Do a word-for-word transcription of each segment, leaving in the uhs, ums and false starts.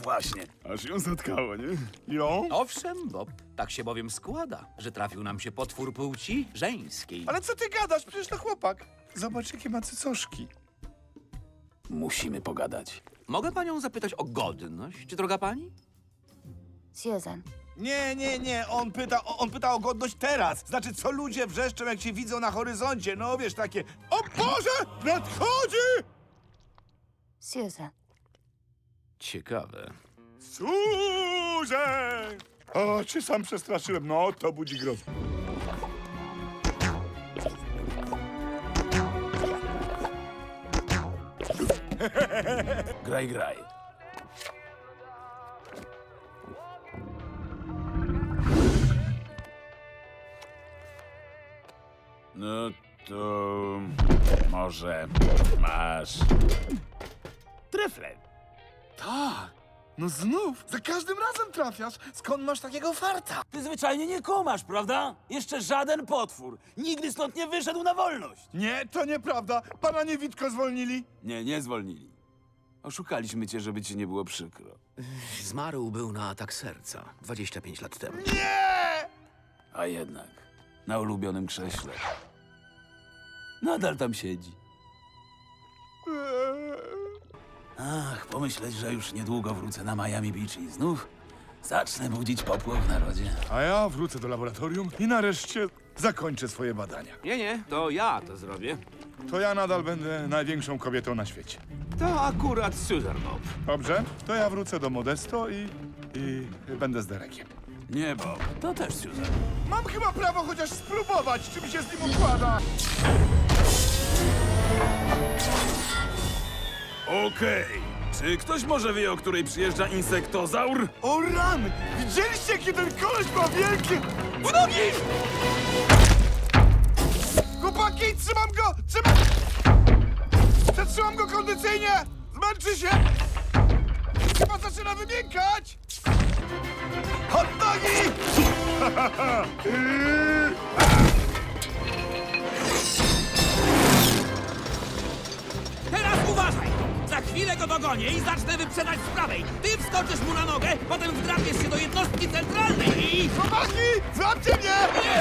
właśnie. Aż ją zatkało, nie? Ją? Owszem, Bob, tak się bowiem składa, że trafił nam się potwór płci żeńskiej. Ale co ty gadasz? Przecież to chłopak. Zobacz, jakie ma cycoszki. Musimy pogadać. Mogę panią zapytać o godność, droga pani? Susan. Nie, nie, nie, on pyta, on pyta o godność teraz. Znaczy, co ludzie wrzeszczą, jak cię widzą na horyzoncie. No wiesz, takie, o Boże, nadchodzi! Susan. Ciekawe. Służę! O, cię sam przestraszyłem. No, to budzi grozę. Graj, graj. No to może masz trefle. Tak, no znów, za każdym razem trafiasz. Skąd masz takiego farta? Ty zwyczajnie nie kumasz, prawda? Jeszcze żaden potwór nigdy stąd nie wyszedł na wolność. Nie, to nieprawda. Pana niewidko zwolnili. Nie, nie zwolnili. Oszukaliśmy cię, żeby ci nie było przykro. Zmarł był na atak serca dwadzieścia pięć lat temu. Nie! A jednak, na ulubionym krześle. Nadal tam siedzi. Ach, pomyśleć, że już niedługo wrócę na Miami Beach i znów zacznę budzić popłoch w narodzie. A ja wrócę do laboratorium i nareszcie zakończę swoje badania. Nie, nie, to ja to zrobię. To ja nadal będę największą kobietą na świecie. To akurat Susan, Bob. Dobrze? To ja wrócę do Modesto i... i będę z Derekiem. Nie, Bob, to też Susan. Mam chyba prawo chociaż spróbować, czy mi się z nim układa. Okej. Czy ktoś może wie, o której przyjeżdża insektozaur? O rany! Widzieliście, jaki ten koleś ma wielkie... W nogi! Chłopaki, trzymam go! Trzymam... Przetrzymam go kondycyjnie! Zmęczy się! Chyba zaczyna wymiękać! Hot nogi! Teraz uważaj! Za chwilę go dogonię i zacznę wyprzedać z prawej. Ty wskoczysz mu na nogę, potem wdrapiesz się do jednostki centralnej i... Chłopaki, złapcie mnie! Nie,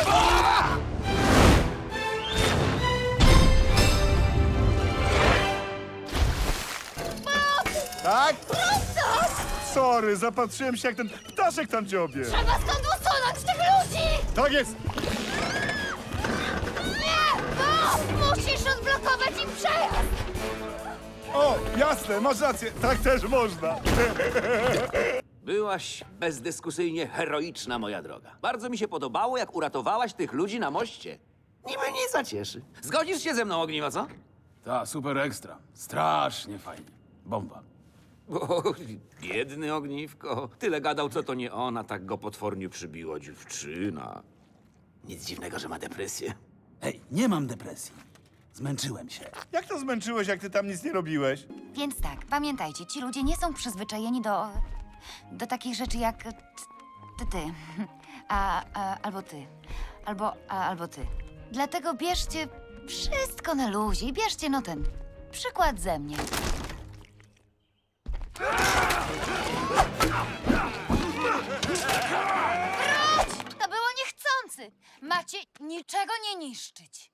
Tak? Sorry, zapatrzyłem się, jak ten ptaszek tam dziobie. Trzeba stąd usunąć tych ludzi! Tak jest! Nie! Bo musisz odblokować im przejazd! O, jasne, masz rację, tak też można. Byłaś bezdyskusyjnie heroiczna, moja droga. Bardzo mi się podobało, jak uratowałaś tych ludzi na moście. Niby nic zacieszy. Zgodzisz się ze mną, Ogniwo, co? Ta, super ekstra. Strasznie fajnie. Bomba. O, biedny Ogniwko. Tyle gadał, co to nie ona, tak go potwornie przybiła dziewczyna. Nic dziwnego, że ma depresję. Hej, nie mam depresji. Zmęczyłem się. Jak to zmęczyłeś, jak ty tam nic nie robiłeś? Więc tak, pamiętajcie, ci ludzie nie są przyzwyczajeni do... do takich rzeczy jak... t- ty, ty. A, a, albo ty. Albo, a, albo ty. Dlatego bierzcie wszystko na luzie i bierzcie no ten przykład ze mnie. Wróć! To było niechcący! Macie niczego nie niszczyć.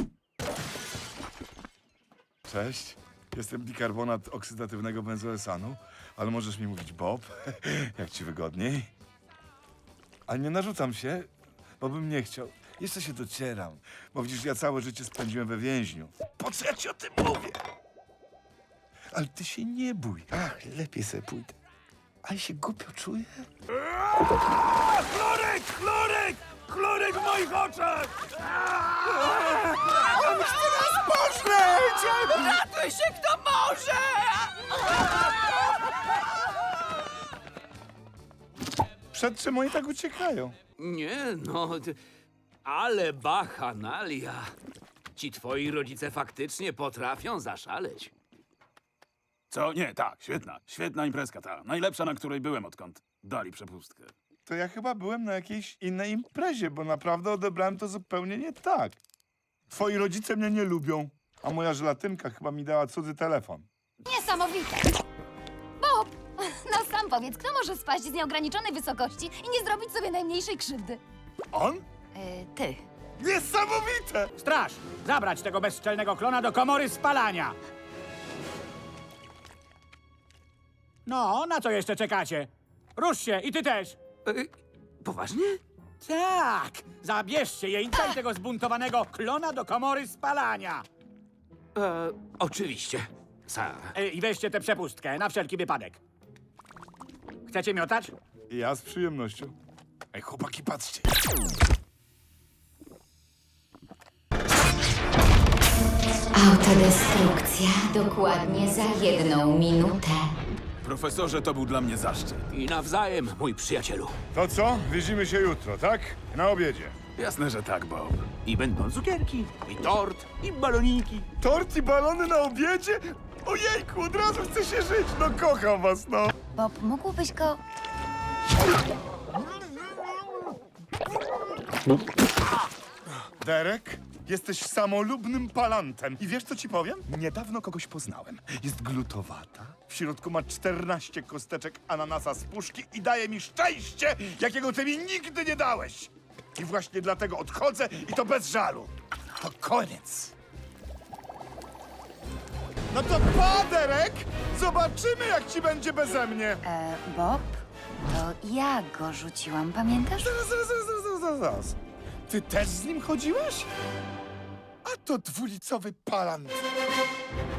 Cześć, jestem bikarbonat oksydatywnego benzoesanu, ale możesz mi mówić Bob, jak ci wygodniej. A nie narzucam się, bo bym nie chciał. Jeszcze się docieram, bo widzisz, ja całe życie spędziłem we więźniu. Po co ja ci o tym mówię? Ale ty się nie bój. Ach, lepiej sobie pójdę. Ale się głupio czuję. Chlorek! Chlorek! Chlorek w moich oczach! Ratuj się, kto może! Przed czym oni tak uciekają? Nie, no... ty- Ale bachanalia. Ci twoi rodzice faktycznie potrafią zaszaleć. Co? Nie, tak, świetna. Świetna imprezka ta. Najlepsza, na której byłem, odkąd dali przepustkę. To ja chyba byłem na jakiejś innej imprezie, bo naprawdę odebrałem to zupełnie nie tak. Twoi rodzice mnie nie lubią, a moja żelatynka chyba mi dała cudzy telefon. Niesamowite! Bob! No sam powiedz, kto może spaść z nieograniczonej wysokości i nie zrobić sobie najmniejszej krzywdy? On? Yy, ty. Niesamowite! Straż! Zabrać tego bezczelnego klona do komory spalania! No, na co jeszcze czekacie? Rusz się i ty też! E, poważnie? Tak! Zabierzcie jeńca i tego zbuntowanego klona do komory spalania! E, oczywiście, sir. E, I weźcie tę przepustkę, na wszelki wypadek. Chcecie miotać? Ja z przyjemnością. Ej, chłopaki, patrzcie. Autodestrukcja dokładnie za jedną minutę. Profesorze, to był dla mnie zaszczyt. I nawzajem, mój przyjacielu. To co? Widzimy się jutro, tak? Na obiedzie. Jasne, że tak, Bob. I będą cukierki, i tort, i baloniki. Tort i balony na obiedzie? Ojejku, od razu chce się żyć. No kocham was, no. Bob, mógłbyś go... Derek, jesteś samolubnym palantem. I wiesz, co ci powiem? Niedawno kogoś poznałem. Jest glutowata. W środku ma czternaście kosteczek ananasa z puszki i daje mi szczęście, jakiego ty mi nigdy nie dałeś. I właśnie dlatego odchodzę i to bez żalu. To koniec. No to pa, Derek! Zobaczymy, jak ci będzie beze mnie. E, Bob, to ja go rzuciłam, pamiętasz? Zaraz, zaraz, zaraz, zaraz, zaraz, zaraz. Ty też z nim chodziłeś? A to dwulicowy palant.